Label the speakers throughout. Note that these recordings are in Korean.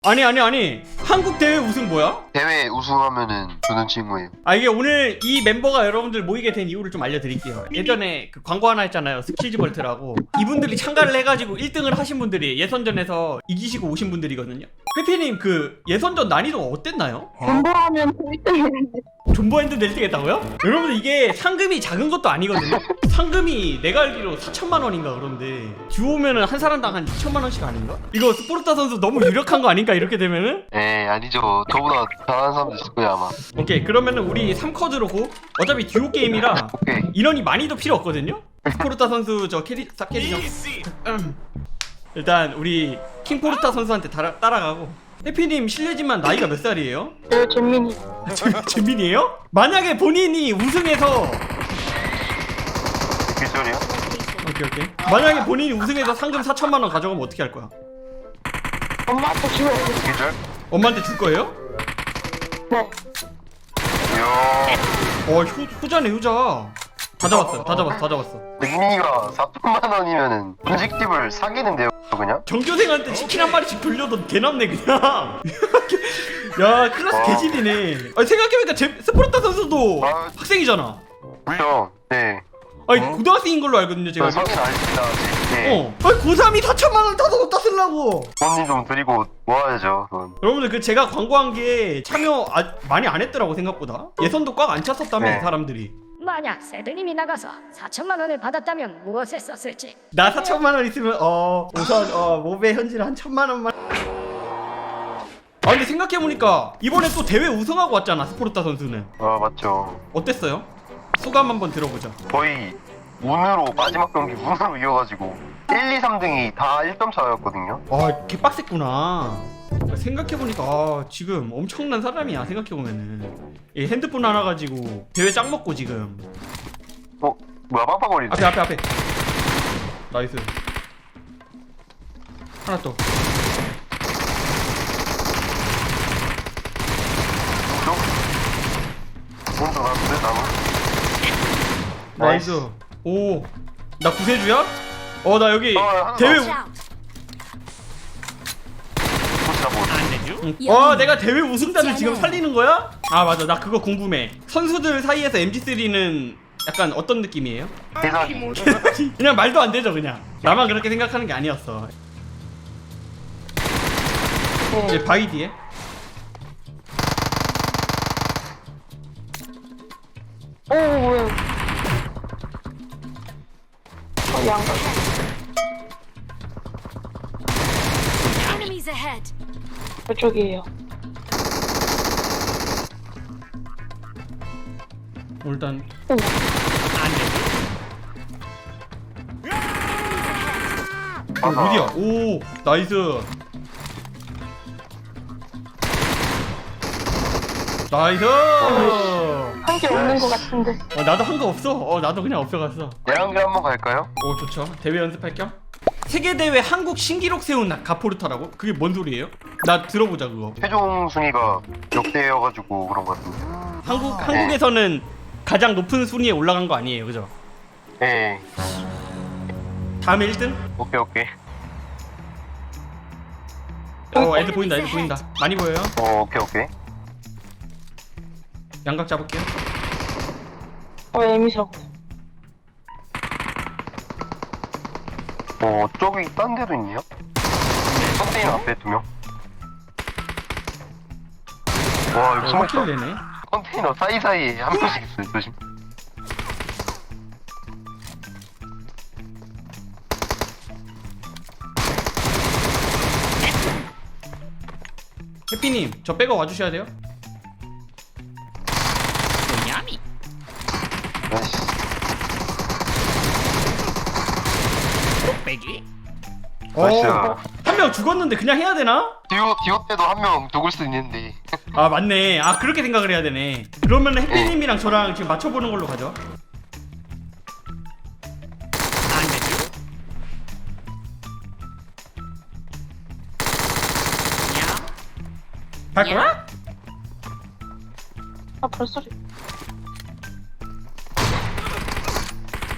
Speaker 1: 아니 한국 대회 우승 뭐야?
Speaker 2: 대회 우승하면은 주는 친구예요.
Speaker 1: 아 이게 오늘 이 멤버가 여러분들 모이게 된 이유를 좀 알려드릴게요. 예전에 그 광고 하나 했잖아요, 스키즈볼트라고. 이분들이 참가를 해가지고 1등을 하신 분들이 예선전에서 이기시고 오신 분들이거든요. 회피님 그 예선전 난이도가 어땠나요?
Speaker 3: 존버하면 1등이는데
Speaker 1: 존버핸드 1등 했다고요? 여러분들 이게 상금이 작은 것도 아니거든요. 상금이 내가 알기로 4천만 원인가 그런데 듀오면은 한 사람당 한 2천만 원씩 아닌가? 이거 스포르타 선수 너무 유력한 거 아닌가 이렇게 되면은?
Speaker 2: 에 아니죠. 저보다 잘하는 사람도 있을 거예요 아마.
Speaker 1: 오케이 그러면은 우리 3쿼드로 고. 어차피 듀오 게임이라
Speaker 2: 오케이.
Speaker 1: 인원이 많이도 필요 없거든요? 스포르타 선수 저 캐리 싹캐리죠. 일단 우리 킹포르타 선수한테 따라가고. 해피님 실례지만 나이가 몇 살이에요?
Speaker 3: 저 재민이
Speaker 1: 재민이에요? 만약에 본인이 우승해서
Speaker 2: 기절이요?
Speaker 1: 오케이 만약에 본인이 우승해서 상금 4천만 원 가져가면 어떻게 할 거야?
Speaker 3: 엄마한테 주면 돼.
Speaker 2: 기절?
Speaker 1: 엄마한테 줄 거예요?
Speaker 3: 네.
Speaker 2: 이야.
Speaker 1: 효자네 효자. 다 잡았어.
Speaker 2: 백민이가 4천만 원이면은 분식집을 사기는데요 그냥?
Speaker 1: 전교생한테 치킨 한 마리씩 돌려도 개남네 그냥. 야 클래스 개질이네. 아니 생각해보니까 스포르타 선수도
Speaker 2: 아.
Speaker 1: 학생이잖아.
Speaker 2: 그렇죠. 네.
Speaker 1: 아니 고등학생인 걸로 알거든요 제가.
Speaker 2: 저 성인 아닙니다. 네.
Speaker 1: 아니 고3이 4천만 원 다 쓰려고.
Speaker 2: 돈이 좀 드리고 모아야죠 그건.
Speaker 1: 여러분들 그 제가 광고한 게 참여 많이 안 했더라고 생각보다. 예선도 꽉 안 찼었다며
Speaker 2: 네.
Speaker 1: 사람들이.
Speaker 4: 만약 세드님이 나가서 4천만 원을 받았다면 무엇에 썼을지.
Speaker 1: 나 4천만 원 있으면 우선 모베 현질 한 1,000만 원만. 아 근데 생각해보니까 이번에 또 대회 우승하고 왔잖아 스포르타 선수는.
Speaker 2: 아 맞죠.
Speaker 1: 어땠어요? 소감 한번 들어보자.
Speaker 2: 거의 운으로 마지막 경기 운으로 이어가지고 1, 2, 3등이 다 1점 차였거든요.
Speaker 1: 아 개빡셌구나. 생각해보니까 지금 엄청난 사람이야. 생각해보면은 이 핸드폰 하나 가지고 대회 짱 먹고 지금.
Speaker 2: 뭐야 빵빵거리네.
Speaker 1: 앞에 나이스. 하나 더.
Speaker 2: 오른쪽 나왔는데 나무.
Speaker 1: 나이스. 오, 나 구세주야? 나 여기
Speaker 2: 하나
Speaker 1: 대회. 내가 대회 우승자를 지금 살리는 거야? 아 맞아, 나 그거 궁금해. 선수들 사이에서 MG3는 약간 어떤 느낌이에요?
Speaker 2: 대사기.
Speaker 1: 그냥 말도 안 되죠, 그냥. 나만 그렇게 생각하는 게 아니었어. 이제 바위 뒤에.
Speaker 3: 오 뭐야. 양각.
Speaker 4: Enemies ahead.
Speaker 3: 저쪽이에요.
Speaker 1: 일단
Speaker 3: 오.
Speaker 1: 어디야? 오, 나이스. 나이스.
Speaker 3: 한 게 없는 것 같은데.
Speaker 1: 나도 한 거 없어. 나도 그냥 없어갔어.
Speaker 2: 내랑길 한번 갈까요?
Speaker 1: 오 좋죠. 대회 연습할 겸. 세계대회 한국 신기록 세운 가포르타라고? 그게 뭔 소리예요? 나 들어보자 그거.
Speaker 2: 최종 순위가 역대여가지고 그런 것 같은데.
Speaker 1: 한국에서는 가장 높은 순위에 올라간 거 아니에요, 그죠?
Speaker 2: 네.
Speaker 1: 다음에 1등?
Speaker 2: 오케이.
Speaker 1: 애들 보인다. 많이 보여요.
Speaker 2: 오케이.
Speaker 1: 양각 잡을게요.
Speaker 3: 애미사고.
Speaker 2: 저기 딴 데도 있네요? 컨테이너 앞에 2명. 와, 이거 숨어있다.
Speaker 1: 확킬 내네.
Speaker 2: 컨테이너 사이사이에 한 명씩 있어요, 조심.
Speaker 1: 해피님, 저 빼고 와주셔야 돼요.
Speaker 2: 나이스. 나이스.
Speaker 1: 한 명 죽었는데 그냥 해야 되나?
Speaker 2: 디오 때도 한 명 죽을 수 있는데.
Speaker 1: 아 맞네. 그렇게 생각을 해야 되네. 그러면 해피님이랑 저랑 지금 맞춰보는 걸로 가죠. 갈 거야?
Speaker 3: 벌써.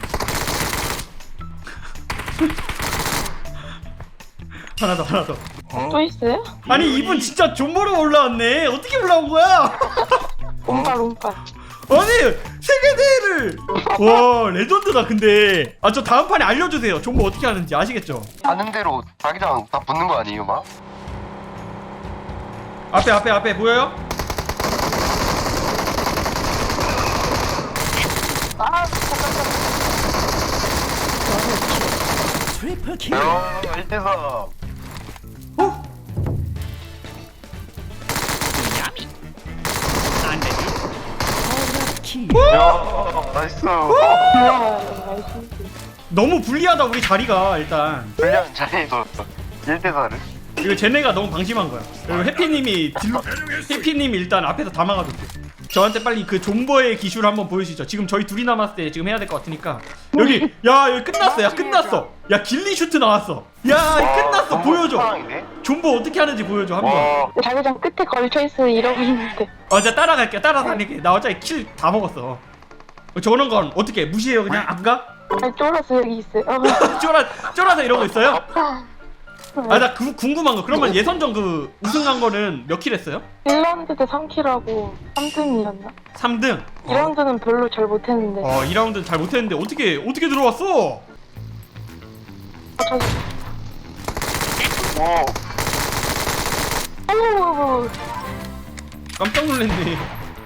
Speaker 1: 하나 더.
Speaker 3: 또 있어요?
Speaker 1: 아니 이분 진짜 존버로 올라왔네. 어떻게 올라온 거야?
Speaker 3: 롬바.
Speaker 1: 아니 세계대회를 와 레전드다. 근데 아 저 다음 판에 알려주세요. 존버 어떻게 하는지 아시겠죠?
Speaker 2: 아는 대로 자기장 다 붙는 거 아니에요, 막?
Speaker 1: 앞에 보여요?
Speaker 3: 아 잠깐만.
Speaker 2: 야, 1대4.
Speaker 1: 어?
Speaker 2: 야, 나이스.
Speaker 3: 나이스.
Speaker 1: 너무 불리하다 우리 자리가. 일단
Speaker 2: 불리한 자리에서 1대4를.
Speaker 1: 이거 쟤네가 너무 방심한 거야. 그리고 해피님이 일단 앞에서 다 막아줬대. 저한테 빨리 그 존버의 기술 한번 보여주시죠. 지금 저희 둘이 남았을 때 지금 해야 될 것 같으니까. 여기 여기 끝났어. 야 끝났어. 야 길리 슈트 나왔어. 야 끝났어. 보여줘. 존버 어떻게 하는지 보여줘 한번.
Speaker 2: 와,
Speaker 3: 자기장 끝에 걸쳐있으면 이러고 있는데.
Speaker 1: 내가 따라갈게. 따라다닐게. 나 어차피 킬 다 먹었어. 저런 건 어떻게 무시해요 그냥 안 가?
Speaker 3: 아니 쫄아서 여기 있어요.
Speaker 1: 쫄아서 이러고 있어요? 아 나 궁금한 거. 그러면 예선전 그 우승한 거는 몇 킬 했어요?
Speaker 3: 1라운드 때 3킬하고 3등이었나?
Speaker 1: 3등.
Speaker 3: 2라운드는 별로 잘 못했는데.
Speaker 1: 2라운드는 잘 못했는데 어떻게 들어왔어?
Speaker 3: 저기.
Speaker 2: 와,
Speaker 3: 오.
Speaker 1: 깜짝 놀랐네.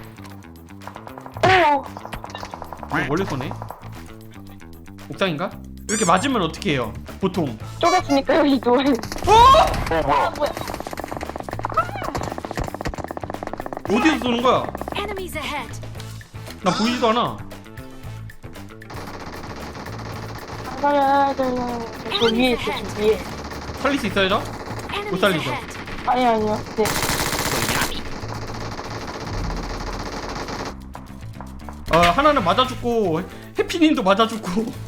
Speaker 3: 오.
Speaker 1: 원래 쏘네. 옥상인가? 이렇게 맞으면 어떻게 해요? 보통.
Speaker 3: 쫄았으니까 여기 누워있는.
Speaker 2: 뭐야?
Speaker 3: 뭐야?
Speaker 1: 어디서 쏘는 거야?
Speaker 5: Enemies ahead.
Speaker 1: 나 보이지도 않아.
Speaker 3: 살려야 되나? 저 위에 있어, 저 위에.
Speaker 1: 살릴 수 있어요, 저?
Speaker 5: Enemies
Speaker 1: 살리죠.
Speaker 5: ahead.
Speaker 3: 아니요. 네.
Speaker 1: 하나는 맞아 죽고 해피님도 맞아 죽고.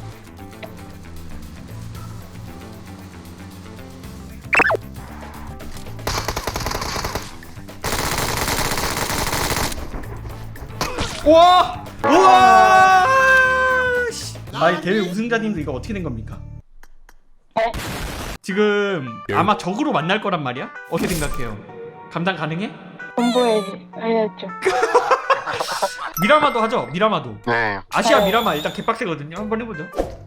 Speaker 1: 우와! 우와! 씨. 이 대회 우승자님도 이거 어떻게 된 겁니까?
Speaker 3: 네.
Speaker 1: 지금 아마 적으로 만날 거란 말이야? 어떻게 생각해요? 감당 가능해?
Speaker 3: 공부해야지. 해야죠.
Speaker 1: 미라마도 하죠? 미라마도.
Speaker 2: 네.
Speaker 1: 아시아 미라마 일단 개빡세거든요. 한번 해보죠.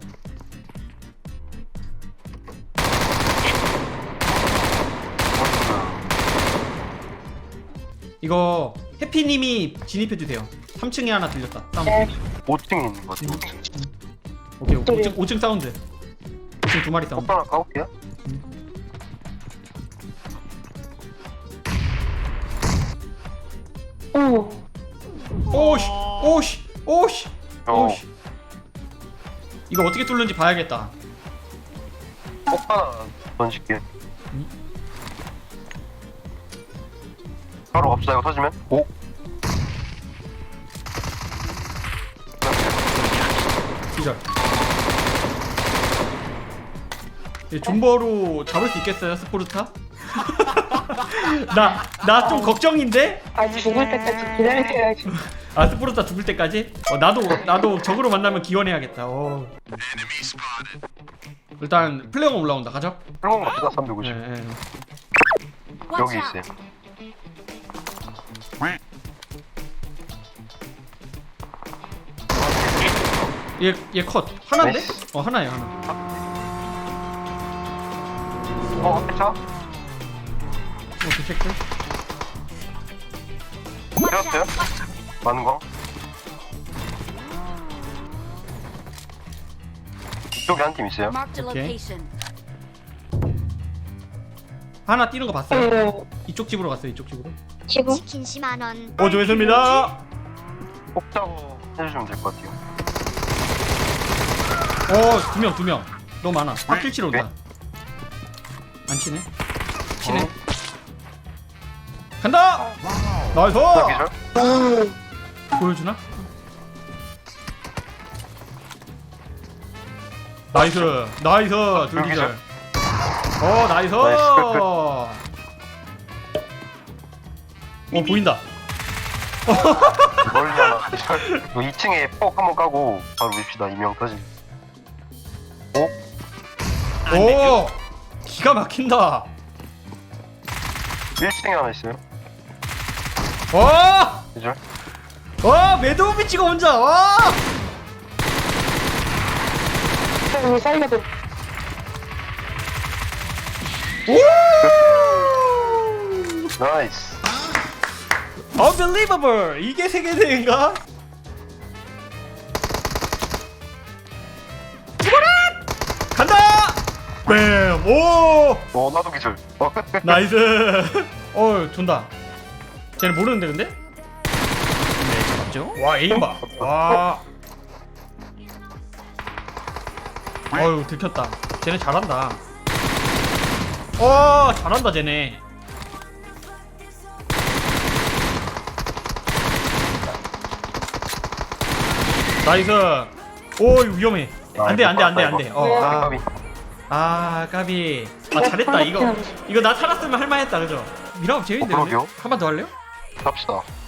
Speaker 1: 이거 해피님이 진입해주세요. 3층에 하나 들렸다. 사운드.
Speaker 3: 네.
Speaker 2: 5층에 있는 거 같아, 5층.
Speaker 1: 오케이 5층 사운드. 5층 두 마리 사운드.
Speaker 2: 오빠 하나 까볼게요.
Speaker 3: 오.
Speaker 1: 오씨 오씨 오씨
Speaker 2: 어.
Speaker 1: 오씨. 이거 어떻게 뚫는지 봐야겠다.
Speaker 2: 오빠 하나 던질게요. 바로 갑시다, 이거 터지면. 오.
Speaker 1: 기절. 존버로 잡을 수 있겠어요, 스포르타? 나 좀 걱정인데?
Speaker 3: 아, 죽을 때까지 기다려야지.
Speaker 1: 아 스포르타 죽을 때까지? 나도 적으로 만나면 기원해야겠다. 일단 플레이어가 올라온다. 가죠?
Speaker 2: 그런 거 같다, 350.
Speaker 1: 네.
Speaker 5: Watch
Speaker 2: 여기
Speaker 5: out.
Speaker 2: 있어요.
Speaker 1: 얘 컷. 하나인데?
Speaker 2: 나이스.
Speaker 1: 하나예요 하나.
Speaker 2: 회차?
Speaker 1: 오케이 체크.
Speaker 2: 되었어요? 많은 거? 이쪽에 한 팀 있어요.
Speaker 5: Marked a
Speaker 1: Okay.
Speaker 5: location.
Speaker 1: 하나 뛰는 거 봤어요?
Speaker 3: 네.
Speaker 1: 이쪽 집으로 갔어요. 이쪽 집으로.
Speaker 3: 지금?
Speaker 4: 치킨 10만 원.
Speaker 1: 조회수입니다.
Speaker 2: 꼭 짜고 해주시면 될 것 같아요.
Speaker 1: 두 명. 너무 많아. 확킬 치러 온다. 안 치네? 치네. 간다! 나이스!
Speaker 2: 하나 기절?
Speaker 1: 보여주나? 나이스! 둘 기절. 나이스! 보인다.
Speaker 2: 멀리 하나 기절. 2층에 폭 한번 까고 바로 밉시다. 이명 터지.
Speaker 1: 오! 기가 막힌다.
Speaker 2: 1층에 하나 있어요.
Speaker 1: 와!
Speaker 2: 그죠?
Speaker 1: 와, 매드오비치가 혼자. 와!
Speaker 3: 여기 살려줘.
Speaker 1: 오!
Speaker 2: 나이스.
Speaker 1: Unbelievable. 이게 세계 대회인가? 죽어라! 간다! 뱀! 오!
Speaker 2: 나도 기절.
Speaker 1: 나이스. 돈다. 쟤는 모르는데 근데? 네, 잡았죠? 와, 에임 봐. 와. 들켰다. 쟤네 잘한다. 잘한다 쟤네. 나이스. 오, 이거 위험해. 안돼.
Speaker 2: 까비.
Speaker 1: 까비. 잘했다. 이거 나 살았으면 할만했다, 그죠? 미라업 재밌는데.
Speaker 2: 그러게요.
Speaker 1: 한 번 더 할래요?
Speaker 2: 갑시다.